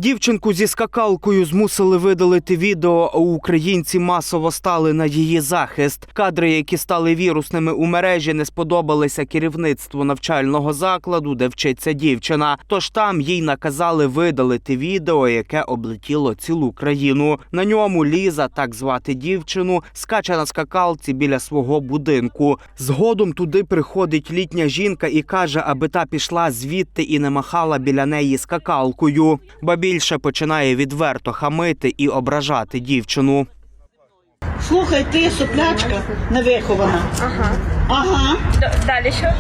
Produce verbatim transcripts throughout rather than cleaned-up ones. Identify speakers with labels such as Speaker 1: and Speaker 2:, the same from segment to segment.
Speaker 1: Дівчинку зі скакалкою змусили видалити відео, а українці масово стали на її захист. Кадри, які стали вірусними у мережі, не сподобалися керівництву навчального закладу, де вчиться дівчина. Тож там їй наказали видалити відео, яке облетіло цілу країну. На ньому Ліза, так звати дівчину, скаче на скакалці біля свого будинку. Згодом туди приходить літня жінка і каже, аби та пішла звідти і не махала біля неї скакалкою. Більше починає відверто хамити і ображати дівчину.
Speaker 2: Слухай, ти соплячка невихована.
Speaker 3: Ага.
Speaker 2: Ага.
Speaker 3: Д- Далі що?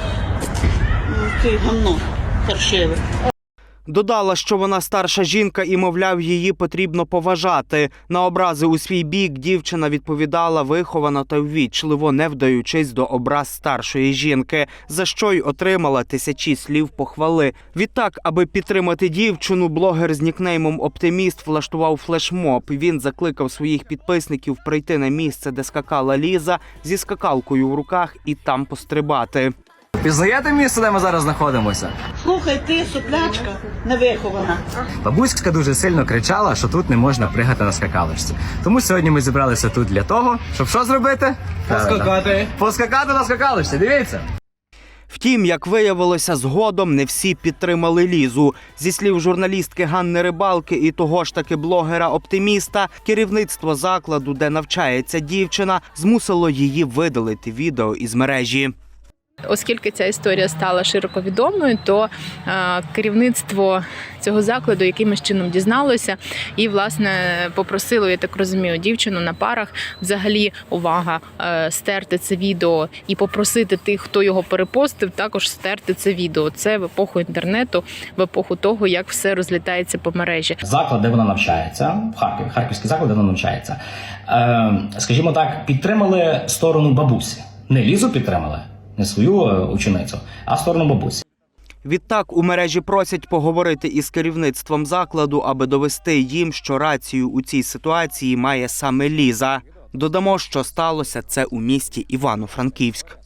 Speaker 2: Ти гамно паршиве.
Speaker 1: Додала, що вона старша жінка і, мовляв, її потрібно поважати. На образи у свій бік дівчина відповідала виховано та ввічливо, не вдаючись до образ старшої жінки, за що й отримала тисячі слів похвали. Відтак, аби підтримати дівчину, блогер з нікнеймом «Оптиміст» влаштував флешмоб. Він закликав своїх підписників прийти на місце, де скакала Ліза, зі скакалкою в руках і там пострибати.
Speaker 4: Пізнаєте місце, де ми зараз знаходимося?
Speaker 2: Слухай, ти соплячка невихована.
Speaker 4: Бабуська дуже сильно кричала, що тут не можна пригати на скакалочці. Тому сьогодні ми зібралися тут для того, щоб що зробити? Поскакати. Поскакати на скакалочці, дивіться.
Speaker 1: Втім, як виявилося, згодом не всі підтримали Лізу. Зі слів журналістки Ганни Рибалки і того ж таки блогера-оптиміста, керівництво закладу, де навчається дівчина, змусило її видалити відео із мережі.
Speaker 3: Оскільки ця історія стала широко відомою, то е, керівництво цього закладу якимось чином дізналося і, власне, попросило, я так розумію, дівчину на парах взагалі, увага, е, стерти це відео і попросити тих, хто його перепостив, також стерти це відео. Це в епоху інтернету, в епоху того, як все розлітається по мережі.
Speaker 5: Заклад, де вона навчається, в Харкові, харківський заклад, де вона навчається, е, скажімо так, підтримали сторону бабусі. Не Лізу підтримали, не свою ученицю, а сторону бабусі.
Speaker 1: Відтак у мережі просять поговорити із керівництвом закладу, аби довести їм, що рацію у цій ситуації має саме Ліза. Додамо, що сталося це у місті Івано-Франківськ.